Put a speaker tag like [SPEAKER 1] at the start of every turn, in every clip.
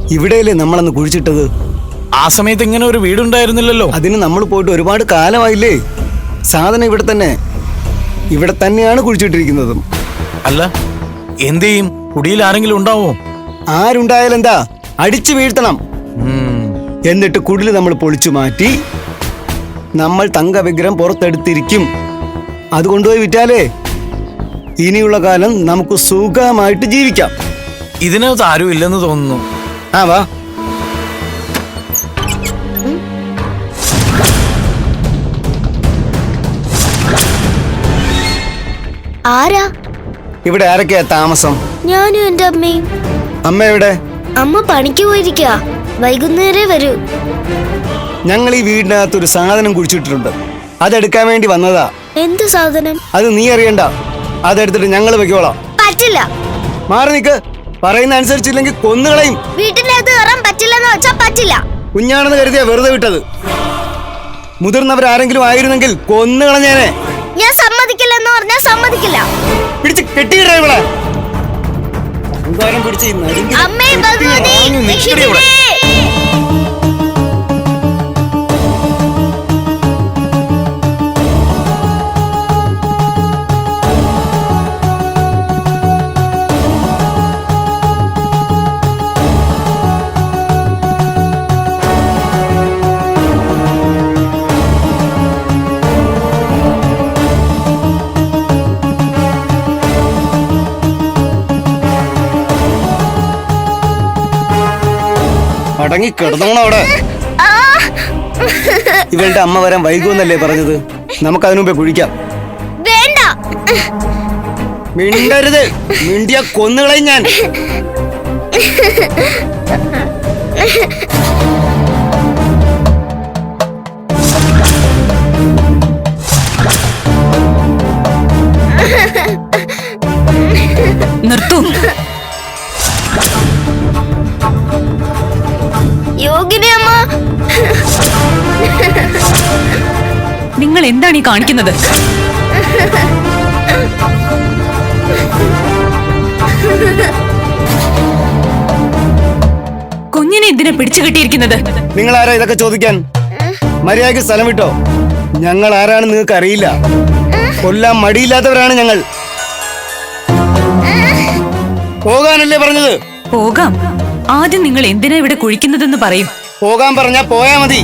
[SPEAKER 1] ഇവിടെയല്ലേ നമ്മളന്ന് കുഴിച്ചിട്ടത്?
[SPEAKER 2] ആ സമയത്ത് ഇങ്ങനെ ഒരു വീടുണ്ടായിരുന്നില്ലല്ലോ.
[SPEAKER 1] അതിന് നമ്മൾ പോയിട്ട് ഒരുപാട് കാലമായില്ലേ. സാധനം ഇവിടെ തന്നെയാണ് കുഴിച്ചിട്ടിരിക്കുന്നതും.
[SPEAKER 2] അല്ല, എന്ത് ചെയ്യും? കുടിയിൽ ആരെങ്കിലും ഉണ്ടാവോ?
[SPEAKER 1] ആരുണ്ടായാലെന്താ, അടിച്ചു വീഴ്ത്തണം. എന്നിട്ട് കുടില് നമ്മൾ പൊളിച്ചു മാറ്റി നമ്മൾ തങ്ക വിഗ്രഹം പുറത്തെടുത്തിരിക്കും. അത് കൊണ്ടുപോയി വിറ്റാലേ ഇനിയുള്ള കാലം നമുക്ക് സുഖമായിട്ട് ജീവിക്കാം.
[SPEAKER 2] ഇതിനകത്ത് ആരും ഇല്ലെന്ന് തോന്നുന്നു.
[SPEAKER 1] ആ വാ.
[SPEAKER 3] ആരാ
[SPEAKER 1] ഇവിടെ ആരൊക്കെയാ താമസം?
[SPEAKER 3] ഞാനും എന്റെ അമ്മയും.
[SPEAKER 1] അമ്മ എവിടെ?
[SPEAKER 3] അമ്മ പണിക്ക് പോയിരിക്ക, വൈകുന്നേരേ വരൂ.
[SPEAKER 1] ഞങ്ങൾ ഈ വീടിനകത്ത് ഒരു സാധനം കുഴിച്ചിട്ടിട്ടുണ്ട്. അതെടുക്കാൻ വേണ്ടി വന്നതാ.
[SPEAKER 3] എന്ത് സാധനം?
[SPEAKER 1] അത് നീ അറിയണ്ട. അതെടുത്തിട്ട് ഞങ്ങൾ വെക്കോളാം.
[SPEAKER 3] പറ്റില്ല.
[SPEAKER 1] മാറി നിക്ക്. പറയുന്ന അനുസരിച്ചില്ലെങ്കിൽ കൊന്നുകളയും.
[SPEAKER 3] വീട്ടിനകത്ത് കയറാൻ പറ്റില്ലെന്ന് വെച്ചാ പറ്റില്ല.
[SPEAKER 1] കുഞ്ഞാണെന്ന് കരുതിയാ വെറുതെ വിട്ടത്. മുതിർന്നവരാരെങ്കിലും ആയിരുന്നെങ്കിൽ കൊന്നുകളഞ്ഞേനെ.
[SPEAKER 3] ഞാൻ സമ്മതിക്കില്ലെന്ന് പറഞ്ഞാൽ സമ്മതിക്കില്ല.
[SPEAKER 1] പിടിച്ച് കെട്ടിയിടേ ഇവിടെ.
[SPEAKER 3] അമ്മേ, ഭഗവതി, രക്ഷിക്കണേ.
[SPEAKER 1] അടങ്ങി കിടന്നോണം അവിടെ. ഇവളുടെ അമ്മ വരാൻ വൈകുമെന്നല്ലേ പറഞ്ഞത്? നമുക്ക് അതിനു മുമ്പേ കുഴിക്കാം.
[SPEAKER 3] വേണ്ട.
[SPEAKER 1] മിണ്ടരുത്. മിണ്ടിയ കൊന്നുകളയും ഞാൻ.
[SPEAKER 4] നിർത്തൂ.
[SPEAKER 3] യോഗിനി അമ്മ,
[SPEAKER 4] നിങ്ങൾ എന്താണ് ഈ കാണിക്കുന്നത്? കുഞ്ഞിനെ എന്തിനാ പിടിച്ചു കെട്ടിയിരിക്കുന്നത്?
[SPEAKER 1] നിങ്ങൾ ആരാ ഇതൊക്കെ ചോദിക്കാൻ? മര്യാദയ്ക്ക് സ്ഥലം വിട്ടോ. ഞങ്ങൾ ആരാണെന്ന് നിങ്ങൾക്ക് അറിയില്ല. കൊല്ലാൻ മടിയില്ലാത്തവരാണ് ഞങ്ങൾ. പോകാനല്ലേ പറഞ്ഞത്?
[SPEAKER 4] പോകാം. ആദ്യം നിങ്ങൾ എന്തിനാ ഇവിടെ കുഴിക്കുന്നതെന്ന് പറയും.
[SPEAKER 1] പോകാൻ പറഞ്ഞാ പോയാ മതി.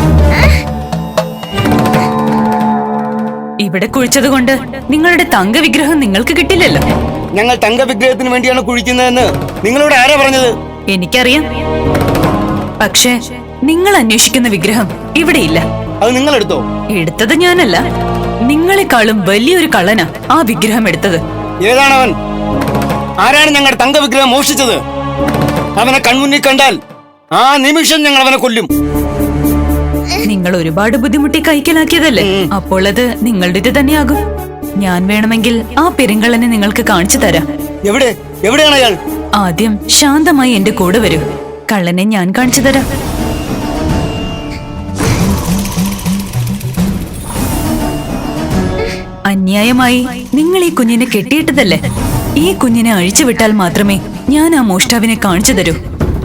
[SPEAKER 4] ഇവിടെ കുഴിച്ചത് കൊണ്ട് നിങ്ങളുടെ തങ്ക വിഗ്രഹം നിങ്ങൾക്ക് കിട്ടില്ലല്ലോ.
[SPEAKER 1] ഞങ്ങൾ തങ്ക വിഗ്രഹത്തിന് വേണ്ടിയാണ് കുഴിക്കുന്നതെന്ന് നിങ്ങളോട് ആരാ പറഞ്ഞത്?
[SPEAKER 4] എനിക്കറിയാം. പക്ഷേ നിങ്ങൾ അന്വേഷിക്കുന്ന വിഗ്രഹം ഇവിടെ ഇല്ല.
[SPEAKER 1] അത് നിങ്ങൾ എടുത്തോ?
[SPEAKER 4] എടുത്തത് ഞാനല്ല. നിങ്ങളെക്കാളും വലിയൊരു കള്ളനാ ആ വിഗ്രഹം എടുത്തത്.
[SPEAKER 1] ഏതാണവൻ? ആരാണ് ഞങ്ങളുടെ തങ്ക വിഗ്രഹം മോഷ്ടിച്ചത്? അവനെ കൺമുന്നിൽ കണ്ടാൽ ആ നിമിഷം ഞങ്ങൾ അവനെ കൊല്ലും.
[SPEAKER 4] നിങ്ങൾ ഒരുപാട് ബുദ്ധിമുട്ടി കൈക്കലാക്കിയതല്ലേ, അപ്പോൾ അത് നിങ്ങളുടേത് തന്നെയാകും. ഞാൻ വേണമെങ്കിൽ ആ പെരുങ്കള്ളനെ നിങ്ങൾക്ക് കാണിച്ചു തരാം.
[SPEAKER 1] എവിടെയാണ് അയാൾ?
[SPEAKER 4] ആദ്യം ശാന്തമായി എന്റെ കൂടെ വരൂ. കള്ളനെ ഞാൻ കാണിച്ചു തരാം. അന്യായമായി നിങ്ങൾ ഈ കുഞ്ഞിനെ കെട്ടിയിട്ടതല്ലേ. ഈ കുഞ്ഞിനെ അഴിച്ചുവിട്ടാൽ മാത്രമേ ഞാൻ ആ മോഷ്ടാവിനെ കാണിച്ചു തരൂ.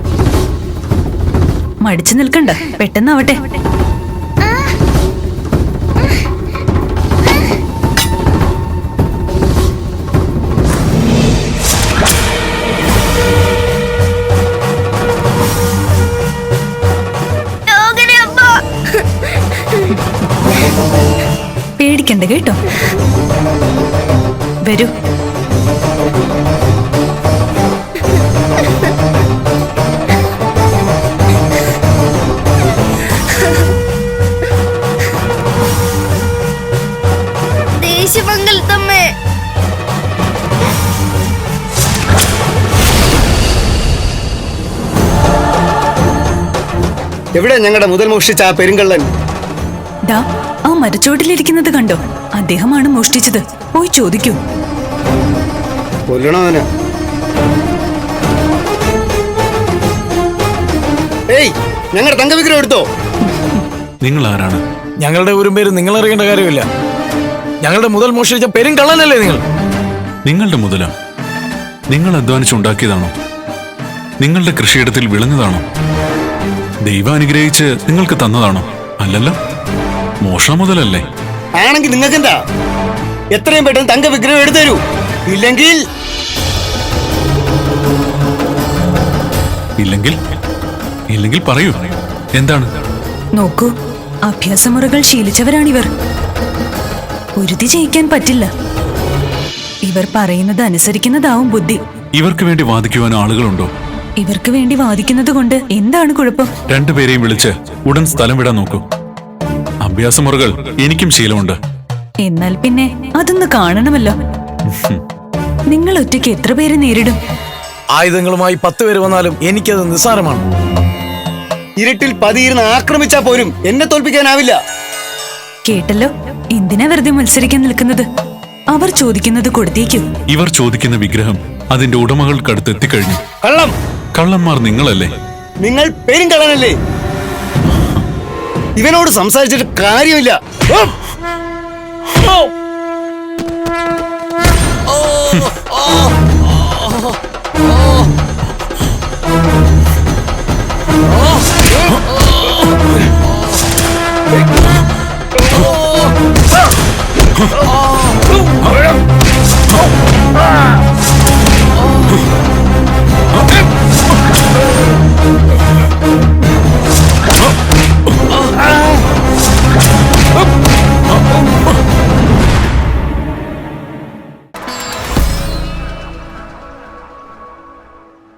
[SPEAKER 4] മടിച്ചു നിൽക്കണ്ട, പെട്ടെന്നാവട്ടെ. പേടിക്കണ്ട കേട്ടോ. വരൂ.
[SPEAKER 3] ദേശമംഗലത്തമ്മേ,
[SPEAKER 1] എവിടെ ഞങ്ങളുടെ മുതൽ മോഷ്ടിച്ച ആ പെരുങ്കള്ളൻ?
[SPEAKER 4] ദാ ആ മരച്ചോട്ടിലിരിക്കുന്നത് കണ്ടോ? അദ്ദേഹമാണ് മോഷ്ടിച്ചത്. പോയി ചോദിക്കൂ.
[SPEAKER 1] കൊല്ലണവന്. ഏയ്, ഞങ്ങളുടെ തങ്കവിഗ്രഹം എടുത്തോ?
[SPEAKER 5] നിങ്ങൾ ആരാണ്?
[SPEAKER 2] ഞങ്ങളുടെ ഒരു പേര് നിങ്ങൾ അറിയേണ്ട കാര്യമില്ല. ഞങ്ങളുടെ മുതൽ മോഷ്ടിച്ച പെരുങ്കള്ളനല്ലേ നിങ്ങൾ?
[SPEAKER 5] നിങ്ങളുടെ മുതലാ? നിങ്ങൾ അധ്വാനിച്ചുണ്ടാക്കിയതാണോ? നിങ്ങളുടെ കൃഷിയിടത്തിൽ വിളഞ്ഞതാണോ? ദൈവം അനുഗ്രഹിച്ച് നിങ്ങൾക്ക് തന്നതാണോ? അല്ലല്ലോ, മോഷണം മുതലല്ലേ?
[SPEAKER 1] ആണെങ്കിൽ നിങ്ങൾക്ക് എന്താ? എത്രയും പെട്ടെന്ന് തങ്ക വിഗ്രഹം എടുത്തു തരൂ. ഇല്ലെങ്കിൽ
[SPEAKER 5] ഇല്ലെങ്കിൽ ഇല്ലെങ്കിൽ പറയൂ, എന്താണ്?
[SPEAKER 4] നോക്കൂ, അഭ്യാസമുറകൾ ശീലിച്ചവരാണിവർ. ഉരുതി ജയിക്കാൻ പറ്റില്ല. ഇവർ പറയുന്നത് അനുസരിക്കുന്നതാവും ബുദ്ധി.
[SPEAKER 5] ഇവർക്ക് വേണ്ടി വാദിക്കുവാൻ ആളുകളുണ്ടോ?
[SPEAKER 4] ഇവർക്ക് വേണ്ടി വാദിക്കുന്നത് കൊണ്ട് എന്താണ് കുഴപ്പം?
[SPEAKER 5] രണ്ടുപേരെയും വിളിച്ച് ഉടൻ സ്ഥലം വിടാൻ നോക്കൂ. അഭ്യാസമുറകൾ എനിക്കും ശീലമുണ്ട്.
[SPEAKER 4] എന്നാൽ പിന്നെ അതൊന്ന് കാണണമല്ലോ. നിങ്ങൾ ഒറ്റയ്ക്ക് എത്ര പേരെ നേരിടും?
[SPEAKER 2] ആയുധങ്ങളുമായി 10 പേര് വന്നാലും എനിക്കത് നിസ്സാരമാണ്.
[SPEAKER 1] ഇരുട്ടിൽ പതിയിരുന്ന് ആക്രമിച്ചാ പോലും എന്നെ തോൽപ്പിക്കാനാവില്ല.
[SPEAKER 4] കേട്ടല്ലോ, എന്തിനാ വെറുതെ മത്സരിക്കാൻ നിൽക്കുന്നത്? അവർ ചോദിക്കുന്നത് കൊടുത്തേക്കൂ.
[SPEAKER 5] ഇവർ ചോദിക്കുന്ന വിഗ്രഹം അതിന്റെ ഉടമകൾക്കടുത്ത് എത്തിക്കഴിഞ്ഞു.
[SPEAKER 1] കള്ളം!
[SPEAKER 5] കള്ളന്മാർ നിങ്ങളല്ലേ?
[SPEAKER 1] നിങ്ങൾ പെരുങ്കള്ളനല്ലേ? ഇവനോട് സംസാരിച്ചിട്ട് കാര്യമില്ല. ഓ